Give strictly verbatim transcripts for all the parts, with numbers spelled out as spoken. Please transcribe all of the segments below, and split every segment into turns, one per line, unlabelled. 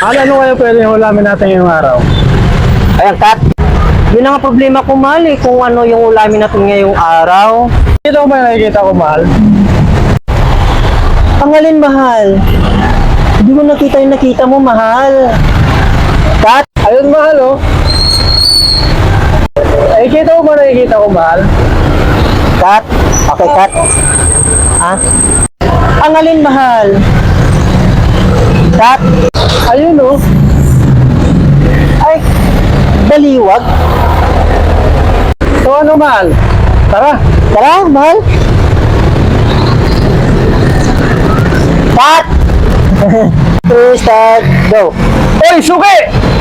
Mahal, ano kaya pwede yung ulamin natin ngayong araw?
Ayan, Kat. Yun ang problema ko, mahal, eh, kung ano yung ulamin natin ngayong araw.
Ito ko ba yung nakikita ko, mahal?
Ang alin, mahal? Hindi mo nakita yung nakita mo, mahal. Kat,
Ayun, mahal, oh. Eh, kita ko ba nakikita ko, mahal?
Kat. Okay, Kat. Ha? Ang alin, mahal? Kat.
Ayun, oh.
Ay, baliwag.
So, ano, mahal? Tara.
Tara, mahal. Kat. Three, start, go.
Oy, suki!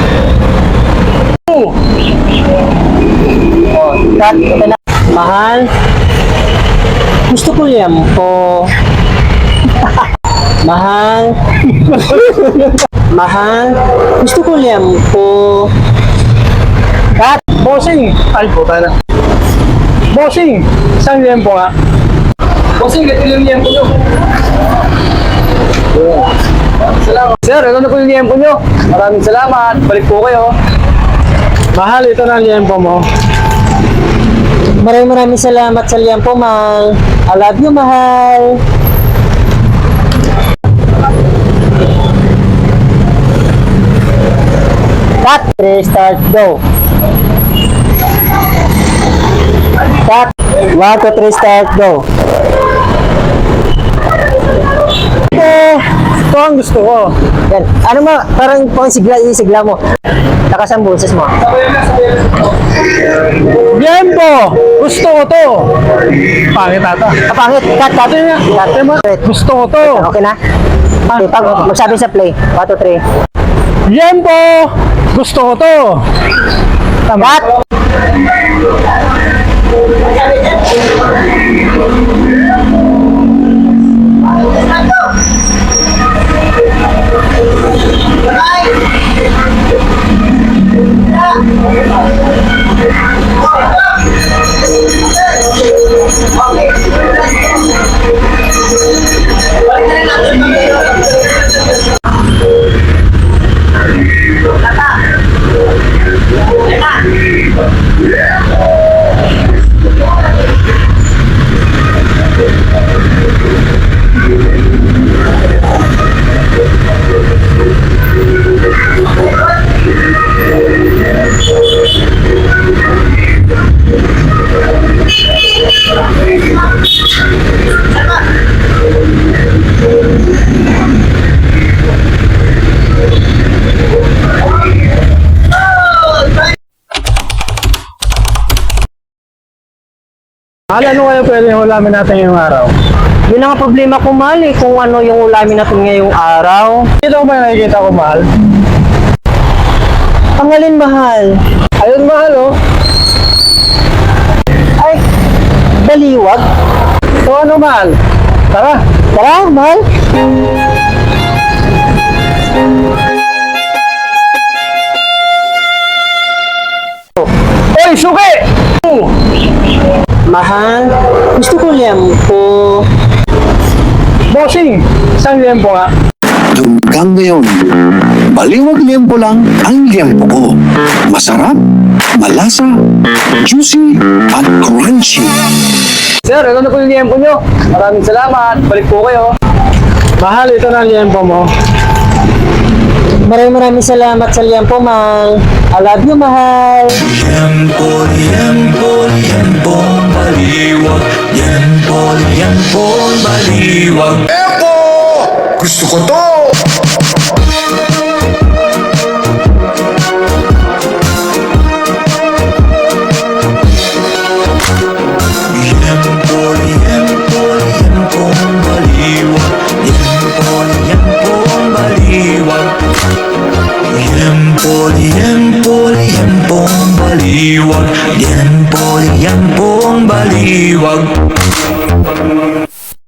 Oh, Kat, ito na. Mahal. Gusto ko yan po. Mahal. Mahal. Gusto ko yan po. Kat.
Bossing! Ay, puta na. Bossing! Isang liyempo nga. Bossing, ito yung liyempo nyo. Salamat. Sir, ito na po yung liyempo nyo. Maraming salamat. Balik po kayo. Mahal, ito na ang liyempo mo.
Maraming maraming salamat sa liyempo, mahal. I love you, mahal. Cut. Three, start, go. Cut. One, two, three, start, go.
Ito, ito ang gusto ko.
Yan. Ano mo, parang pang sigla, isigla mo. Takas ang boses mo.
Liyempo! Gusto ko to. Pangit ata.
Ah, pangit. Cut, cut. Cut.
Gusto ko to.
Okay na? Okay, pag magsabi sa play. One, two, three.
Liyempo! Gusto ko to. Tama.
Cut.
Mahal, ano kaya pwede yung ulamin natin ngayong araw?
Yun ang problema ko, mahal, eh, kung ano yung ulamin natin ngayong araw.
Ito ko ba yung nakikita ko, mahal?
Ang alin, mahal?
Ayun, mahal, oh.
Ay, baliwag.
So, ano, mahal? Tara.
Tara, mahal.
Oy, suki!
Mahal. Gusto ko yan po.
Bossing! Isang liyempo nga.
Hanggang ngayon, baliwag liyempo lang ang liyempo ko. Masarap, malasa, juicy, at crunchy.
Sir, ito na po yung liyempo nyo. Maraming salamat. Balik po kayo. Mahal, ito na ang liyempo mo.
Maraming maraming salamat sa liyempo, mahal. I love you, mahal.
Liempo, liempo, liempo, baliwag. Liempo, liempo, baliwag. Liempo! Gusto ko to! Liempo, liempo, liempo, baliwag. Liempo, liempo, baliwag. Liempo, liempo, liempo, baliwag. Liempo, liempo, baliwag.